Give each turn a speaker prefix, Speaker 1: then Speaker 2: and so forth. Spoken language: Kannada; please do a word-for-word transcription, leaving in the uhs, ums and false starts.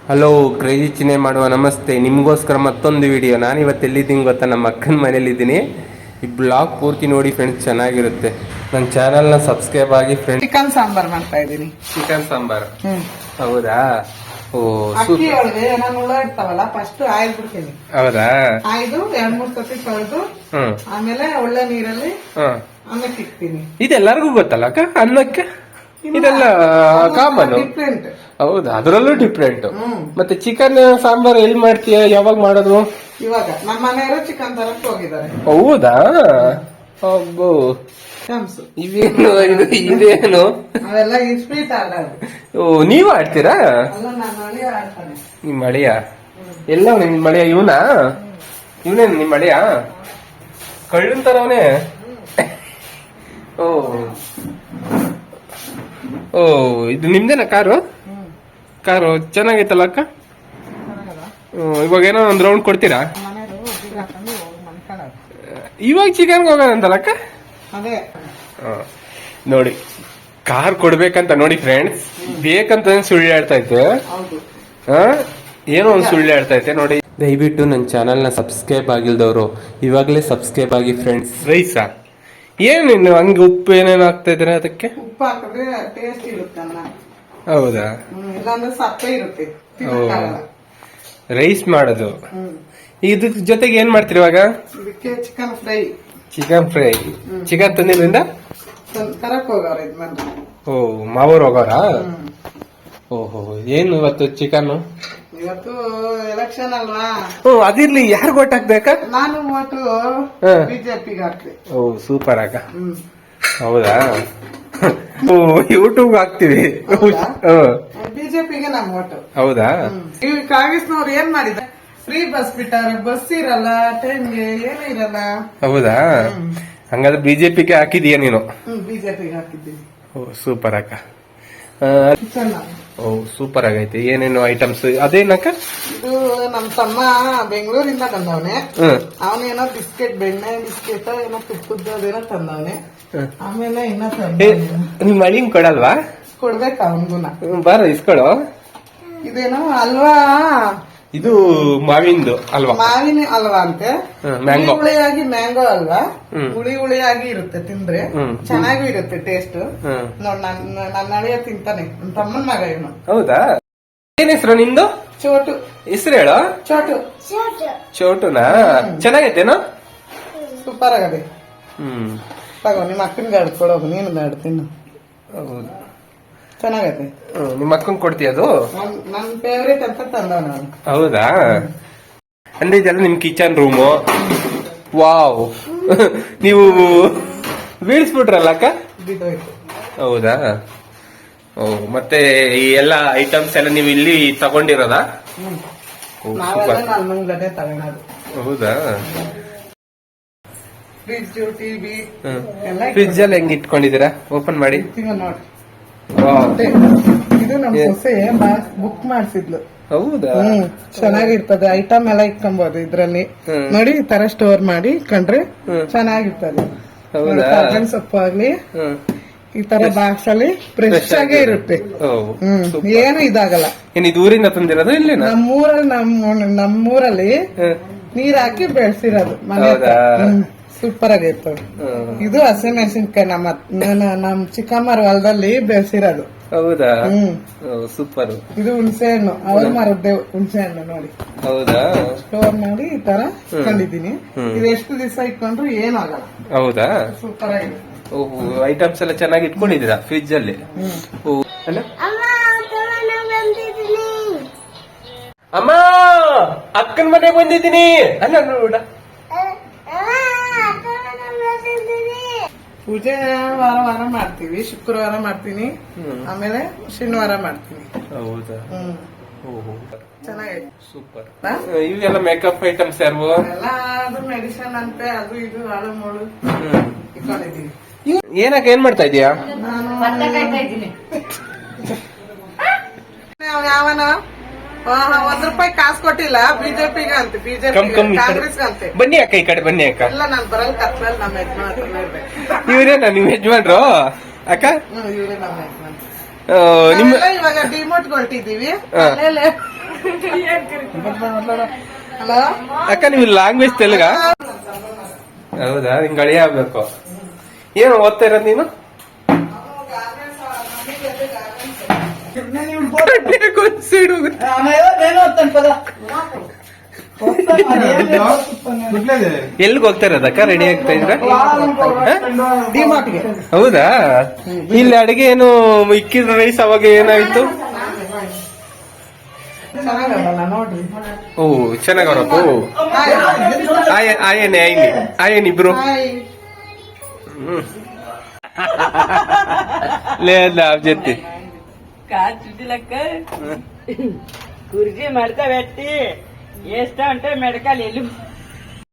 Speaker 1: ಹಲೋ ಕ್ರೇಜಿ ಚಿನೆ ಮಾಡುವ ನಮಸ್ತೆ. ನಿಮಗೋಸ್ಕರ ಮತ್ತೊಂದು ವಿಡಿಯೋ. ನಾನು ಇವತ್ತು ಎಲ್ಲಿದ್ದೀನಿ ಗೊತ್ತಾ? ನಮ್ಮ ಅಕ್ಕನ ಮನೇಲಿದ್ದೀನಿ. ಈ ಬ್ಲಾಗ್ ಪೂರ್ತಿ ನೋಡಿ ಫ್ರೆಂಡ್ಸ್, ಚೆನ್ನಾಗಿರುತ್ತೆ. ನನ್ನ ಚಾನಲ್ನ ಸಬ್ಸ್ಕ್ರೈಬ್ ಆಗಿ ಫ್ರೆಂಡ್ಸ್.
Speaker 2: ಚಿಕನ್ ಸಾಂಬಾರ್ ಮಾಡ್ತಾ ಇದ್ದೀನಿ.
Speaker 1: ಚಿಕನ್ ಸಾಂಬಾರ್?
Speaker 2: ಹ್ಮ್.
Speaker 1: ಹೌದಾ? ಓ,
Speaker 2: ಅಕ್ಕಿ ಒಳಗೆ ನಾನು ಹುಳ ಇರ್ತಾವಲ್ಲ, ಫಸ್ಟ್ ಆಯ್ದು ಬಿಡ್ತೀನಿ.
Speaker 1: ಹೌದಾ?
Speaker 2: ಆಯ್ದು ಎರಡ್ ಮೂರ್ ಸತಿ ತೊಳೆದು ಆಮೇಲೆ ಒಳ್ಳೆ ನೀರಲ್ಲಿ ಅನ್ನಕ್ಕೆ ಇಕ್ತೀನಿ.
Speaker 1: ಇದೆಲ್ಲರಿಗೂ ಗೊತ್ತಲ್ಲ ಅಕ್ಕ, ಅನ್ನಕ್ಕೆ ಇದೆಲ್ಲ ಕಾಮನ್.
Speaker 2: ಡಿಫ್ರೆಂಟ್.
Speaker 1: ಹೌದಾ? ಅದರಲ್ಲೂ ಡಿಫ್ರೆಂಟ್. ಮತ್ತೆ ಚಿಕನ್ ಸಾಂಬಾರ್ ಎಲ್ಲಿ ಮಾಡ್ತೀಯ? ಯಾವಾಗ ಮಾಡೋದು?
Speaker 2: ಇವಾಗ ನಮ್ಮ ಮನೆಯವರು ಚಿಕನ್ ತರಕ್ ಹೋಗಿದ್ದಾರೆ.
Speaker 1: ಹೌದಾ? ಅಬ್ಬೋ, ಇವೇನು ಇದು? ಇದೇನು?
Speaker 2: ಅವೆಲ್ಲ ಸ್ವೀಟ್ ಆಡೋದು.
Speaker 1: ಓ, ನೀವು ಆಡ್ತೀರಾ?
Speaker 2: ಅಲ್ಲ, ನಾನು ಅಳಿಯ ಆಡ್ತಾನೆ.
Speaker 1: ನಿಮ್ ಮಳೆಯ ಎಲ್ಲ? ನಿಮ್ ಮಳೆಯ ಇವನಾ? ಇವನೇ ನಿಮ್ ಮಳೆಯ? ಕಳ್ಳನ್ ತರವನೇ? ಓ ಓ, ಇದು ನಿಮ್ದೇನಾ ಕಾರು? ಕಾರು ಚೆನ್ನಾಗೈತಲ್ಲ ಅಕ್ಕ? ಇವಾಗ ಏನೋ ಒಂದ್ ರೌಂಡ್ ಕೊಡ್ತೀರಾ? ಇವಾಗ ಚಿಕನ್ ಹೋಗೋಣ ಅಂತಲ್ಲ ಅಕ್ಕ?
Speaker 2: ಅದೇ
Speaker 1: ನೋಡಿ, ಕಾರ್ ಕೊಡ್ಬೇಕಂತ ನೋಡಿ ಫ್ರೆಂಡ್ಸ್, ಬೇಕಂತ ಸುಳ್ಳು ಹೇಳ್ತಾ ಇತ್ತು. ಹ, ಏನೋ ಒಂದ್ ಸುಳ್ಳು ಹೇಳ್ತಾ ಐತೆ ನೋಡಿ. ದಯವಿಟ್ಟು ನನ್ನ ಚಾನಲ್ನ ಸಬ್ಸ್ಕ್ರೈಬ್ ಆಗಿಲ್ದವರು ಇವಾಗಲೇ ಸಬ್ಸ್ಕ್ರೈಬ್ ಆಗಿ ಫ್ರೆಂಡ್ಸ್. ರೈಸಾ? ಏನೇನು ಹಂಗೆ ಉಪ್ಪು ಏನೇನು ಹಾಕ್ತಾ ಇದ್ರೆ ಅದಕ್ಕೆ?
Speaker 2: ಉಪ್ಪು ಹಾಕಿದ್ರೆ ಟೇಸ್ಟ್ ಇರುತ್ತೆ ಅನ್ನ.
Speaker 1: ಹೌದಾ?
Speaker 2: ಇಲ್ಲಾಂದ್ರೆ ಸಪ್ಪೆ ಇರುತ್ತೆ.
Speaker 1: ರೈಸ್ ಮಾಡೋದು. ಇದ್ರ ಜೊತೆಗೆ ಏನ್ ಮಾಡ್ತೀರಿ ಇವಾಗ?
Speaker 2: ಇದಕ್ಕೆ chicken fry.
Speaker 1: Chicken fry. Chicken ತಂದಿದ್ರಿಂದ
Speaker 2: ತರಕ್ ಹೋಗೋರ ಇದ್ ಬಂದು.
Speaker 1: ಓ, ಮಾವೂರ್ ಹೋಗೋರ? ಓಹೋ, ಏನು ಇವತ್ತು ಚಿಕನ್?
Speaker 2: ಇವತ್ತು ಎಲೆಕ್ಷನ್ ಅಲ್ವಾ?
Speaker 1: ಓ, ಅದಿರ್ಲಿ. ಯಾರು ಓಟ್ ಹಾಕ್ಬೇಕಾ?
Speaker 2: ನಾನು ಓಟು ಬಿಜೆಪಿಗೆ ಹಾಕ್ತೆ.
Speaker 1: ಓ, ಸೂಪರ್ ಅಕ್ಕ. ಹೌದಾ? ಓ, ಯೂಟ್ಯೂಬ್ ಹಾಕ್ತಿವಿ.
Speaker 2: ಬಿಜೆಪಿಗೆ ನಮ್ ಓಟು.
Speaker 1: ಹೌದಾ?
Speaker 2: ಈ ಕಾಂಗ್ರೆಸ್ನವ್ರು ಏನ್ ಮಾಡಿದ್ದಾರೆ? Free bus ಬಿಟ್ಟಾರೆ. ಬಸ್ ಇರಲ್ಲ, ಟೈಮ್ಗೆ ಏನೂ ಇರಲ್ಲ.
Speaker 1: ಹೌದಾ? ಹಂಗಾದ್ರೆ ಬಿಜೆಪಿಗೆ ಹಾಕಿದೀಯ ನೀನು?
Speaker 2: ಬಿಜೆಪಿಗೆ ಹಾಕಿದ್ದೀನಿ.
Speaker 1: ಓ, ಸೂಪರ್ ಅಕ್ಕ. ಓ, ಸೂಪರ್ ಆಗೈತೆ. ಏನೇನು ಐಟಮ್ಸ್? ಅದೇನಕ್ಕ?
Speaker 2: ಇದು ನಮ್ ತಮ್ಮ ಬೆಂಗಳೂರಿಂದ ತಂದವನೆ. ಅವನೇನೋ ಬಿಸ್ಕೆಟ್, ಬೆಣ್ಣೆ ಬಿಸ್ಕೆಟ್ ಏನೋ ತುಪ್ಪದ ಅದೇನೋ ತಂದವನೆ. ಆಮೇಲೆ ಇನ್ನ
Speaker 1: ನಿಮ್ ಮಳಿಂಗ್ ಕೊಡಲ್ವಾ?
Speaker 2: ಕೊಡ್ಬೇಕ ಅವನ್ಗುನ.
Speaker 1: ಬಾರ ಇಸ್ಕೊಳು.
Speaker 2: ಇದೇನೋ ಅಲ್ವಾ?
Speaker 1: ಇದು ಮಾವಿಂದು ಅಲ್ವಾ?
Speaker 2: ಮಾವಿನ ಅಲ್ವಾ ಅಂತೆ.
Speaker 1: ಮ್ಯಾಂಗೋ.
Speaker 2: ಹುಳಿಯಾಗಿ ಮ್ಯಾಂಗೋ ಅಲ್ವಾ? ಹುಳಿ ಹುಳಿಯಾಗಿ ಇರುತ್ತೆ, ತಿಂದ್ರೆ ಚೆನ್ನಾಗೂ ಇರುತ್ತೆ ಟೇಸ್ಟ್. ನೋಡ್, ನನ್ನ ಅಳಿಯ ತಿಂತಾನೆ, ನನ್ ತಮ್ಮನ್ ಮಗ ಇವನು.
Speaker 1: ಹೌದಾ? ಏನ್ ಹೆಸರು ನಿಂದು?
Speaker 2: ಚೋಟು.
Speaker 1: ಹೆಸರು ಹೇಳು.
Speaker 2: ಚೋಟು.
Speaker 1: ಚೋಟುನಾ? ಚೆನ್ನಾಗೈತೇನೋ?
Speaker 2: ಸೂಪರ್ ಆಗದೆ.
Speaker 1: ಹ್ಮ್,
Speaker 2: ತಗೋ, ನಿಮ್ಮ ಅಕ್ಕನಿಗೆ ಆಡ್ಕೊಡೋದು, ನೀನು ಆಡ್ತೀನಿ.
Speaker 1: ಹೌದು,
Speaker 2: ಚೆನ್ನಾಗೈತೆ.
Speaker 1: ನಿಮ್ಮ ಅಕ್ಕನ್ ಕೊಡ್ತೀಯ ಅದು?
Speaker 2: ನನ್ ಫೇವ್ರೇಟ್ ಅಂತ ತಂದವ ನಾನು.
Speaker 1: ಹೌದಾ? ಅಂದ್ರೆ ಇದೆಲ್ಲ ನಿಮ್ ಕಿಚನ್ ರೂಮು. ವಾವ್, ನೀವು ಬೀಳ್ಸ್ಬಿಟ್ರಲ್ಲ ಅಕ್ಕ? ಹೌದಾ? ಓ, ಮತ್ತೆ ಈ ಎಲ್ಲ ಐಟಮ್ಸ್ ಎಲ್ಲ ನೀವು ಇಲ್ಲಿ ತಗೊಂಡಿರೋದಾ?
Speaker 2: ತಗೊಳೋದು.
Speaker 1: ಹೌದಾ?
Speaker 2: ಫ್ರಿಜ್, ಟಿವಿ
Speaker 1: ಫ್ರಿಜ್ ಎಲ್ಲ ಹೆಂಗ್ ಇಟ್ಕೊಂಡಿದ್ದೀರಾ? ಓಪನ್ ಮಾಡಿ
Speaker 2: ನೋಡಿ. ಇದು ನಮ್ ಸೊಸೆ ಬುಕ್ ಮಾಡ್ಸಿದ್ಲು.
Speaker 1: ಹೌದಾ?
Speaker 2: ಹ್ಮ್, ಚೆನ್ನಾಗಿರ್ತದೆ. ಐಟಮ್ ಎಲ್ಲ ಇಟ್ಕೊಬಹುದು ಇದ್ರಲ್ಲಿ. ನೋಡಿ, ಈ ತರ ಸ್ಟೋರ್ ಮಾಡಿ ಇಟ್ಕೊಂಡ್ರೆ ಚೆನ್ನಾಗಿರ್ತದೆ. ಸೊಪ್ಪು ಆಗ್ಲಿ ಈ ತರ ಬಾಕ್ಸ್ ಅಲ್ಲಿ ಫ್ರೆಶ್ ಆಗೇ ಇರುತ್ತೆ. ಹ್ಮ್, ಏನು ಇದಾಗಲ್ಲ.
Speaker 1: ಏನ್ ಇದು ಊರಿಂದ ತಂದಿರೋದು? ಇಲ್ಲಿ
Speaker 2: ನಮ್ಮೂರಲ್ಲಿ ನಮ್ಮ ನಮ್ಮೂರಲ್ಲಿ ನೀರ್ ಹಾಕಿ ಬೆಳೆಸಿರೋದು ಮನೆ. ಸೂಪರ್ ಆಗೈತೆ. ಇದು ಹಸಿಮೆಣಸಿನ್ಕಾಯಿ ನಮ್ಮ ನಮ್ ಚಿಕ್ಕಮ್ಮರ ಹೊಲದಲ್ಲಿ ಬೆಳೆಸಿರೋದು.
Speaker 1: ಹೌದಾ? ಹ್ಮ್, ಸೂಪರ್.
Speaker 2: ಇದು ಹುಣಸೆ ಹಣ್ಣು, ಅವ್ರು ಮಾರದ್ದೆ ಹುಣಸೆ ಹಣ್ಣು. ನೋಡಿ.
Speaker 1: ಹೌದಾ? ಸ್ಟೋರ್
Speaker 2: ಮಾಡಿ ಈ ತರ ಇಟ್ಕೊಂಡಿದ್ದೀನಿ. ಇದು ಎಷ್ಟು ದಿವಸ ಇಟ್ಕೊಂಡ್ರು ಏನು ಆಗಲ್ಲ.
Speaker 1: ಹೌದಾ?
Speaker 2: ಸೂಪರ್ ಆಗಿದೆ.
Speaker 1: ಓಹೋ, ಐಟಮ್ಸ್ ಎಲ್ಲ ಚೆನ್ನಾಗಿ ಇಟ್ಕೊಂಡಿದ್ದೀರಾ ಫ್ರಿಜ್ ಅಲ್ಲಿ? ಅಮ್ಮ, ಅಕ್ಕನ ಮನೆ ಬಂದಿದ್ದೀನಿ ಅಲ್ಲ. ನೋಡ,
Speaker 2: ಪೂಜೆ ವಾರ ವಾರ ಮಾಡ್ತೀವಿ. ಶುಕ್ರವಾರ ಮಾಡ್ತೀನಿ, ಆಮೇಲೆ ಶನಿವಾರ ಮಾಡ್ತೀನಿ.
Speaker 1: ಹೌದಾ?
Speaker 2: ಹ್ಮ್, ಚೆನ್ನಾಗೈತೆ.
Speaker 1: ಸೂಪರ್. ಇವೆಲ್ಲ ಮೇಕಪ್ ಐಟಮ್ಸ್ ಯಾರು?
Speaker 2: ಎಲ್ಲ ಅದು ಮೆಡಿಸಿನ್ ಅಂತೆ, ಅದು ಇದು ಹಾಳು ಮೂಳು ಇಟ್ಕೊಂಡಿದೀವಿ.
Speaker 1: ಏನಕ್ಕೆ ಏನ್ ಮಾಡ್ತಾ ಇದೀಯಾ?
Speaker 2: ನಾನು ಯಾವನ ಒಂದ್ ರೂಪಾಯಿ ಕಾಸು ಕೊಟ್ಟಿಲ್ಲ ಬಿಜೆಪಿಗೆ ಅಂತ. ಬಿಜೆಪಿ ಕಾಂಗ್ರೆಸ್ ಅಂತೆ.
Speaker 1: ಬನ್ನಿ ಅಕ್ಕ, ಈ ಕಡೆ ಬನ್ನಿ ಅಕ್ಕ.
Speaker 2: ಇಲ್ಲ, ನಾನು ಬರಲ್ ಕತ್ರಲ್ಲಿ ನಮ್ಮ ಯಜಮಾನ್.
Speaker 1: ಇವ್ರೇನಾ ನಿಮ್ ಯಜಮಾನ್ರು ಅಕ್ಕ?
Speaker 2: ಇವರೇ ನಮ್ಮ ಯಜಮಾನ್. ಇವಾಗ ಡಿಮೋಟ್ ಹೊರಟಿದೀವಿ. ಹಲೋ
Speaker 1: ಅಕ್ಕ ನೀವು ಲ್ಯಾಂಗ್ವೇಜ್ ತೆಲುಗ? ಹೌದಾ, ನಿಂಗೆ ಗಳಿಯ ಆಗ್ಬೇಕು. ಏನು ಓದ್ತಾ ಇರೋದು ನೀನು? ಎಲ್ಲಿಗೆ ಹೋಗ್ತಾ ಇರೋದಕ್ಕ ರೆಡಿ ಆಗ್ತಾ ಇದ್ರ?
Speaker 2: ಡಿಮಾರ್ಟ್ಗೆ.
Speaker 1: ಹೌದಾ, ಇಲ್ಲಿ ಅಡಿಗೆ ಏನು ಇಕ್ಕಿದ್ರ ರೈಸ್ ಅವಾಗ ಏನಾಯ್ತು?
Speaker 2: ಚೆನ್ನಾಗಲ್ಲ ನೋಡ್ರಿ.
Speaker 1: ಓ ಚೆನ್ನಾಗವ್ರಪ್ಪ. ಆಯನ್ ಆಯನ್ ಆಯ್ನಿ ಆಯನ್ ಇಬ್ರು లేదా చెప్తే
Speaker 3: కాదు చుట్టులక్క కుర్చీ మడత పెట్టి వేస్తా ఉంటే మెడకాలు ఎల్లు